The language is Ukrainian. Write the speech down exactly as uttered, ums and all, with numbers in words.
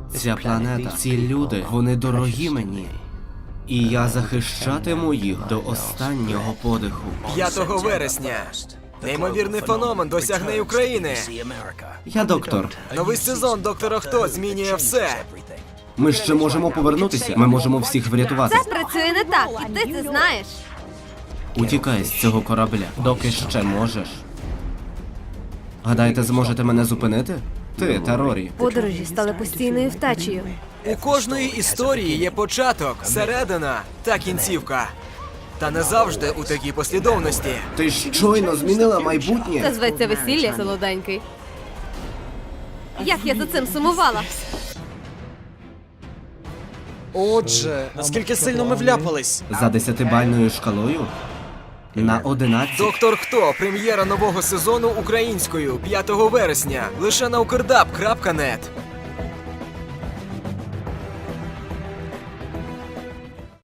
Ця планета, ці люди, вони дорогі мені. І я захищатиму їх до останнього подиху. п'ятого вересня. Неймовірний феномен досягне України. Я доктор. Новий сезон Доктора Хто змінює все. Ми ще можемо повернутися. Ми можемо всіх врятувати. Це працює не так, і ти це знаєш. Утікай з цього корабля, доки ще можеш. Гадаєте, зможете мене зупинити? Ти та Рорі. Подорожі стали постійною втечею. У кожної історії є початок, середина та кінцівка. Та не завжди у такій послідовності. Ти щойно змінила Це майбутнє. зветься весілля, солоденький. Як я за цим сумувала. Отже, наскільки сильно ми вляпались? За десятибальною шкалою? На одинадцять. Доктор Хто. Прем'єра нового сезону українською п'ятого вересня. Лише на укрдаб крапка нет.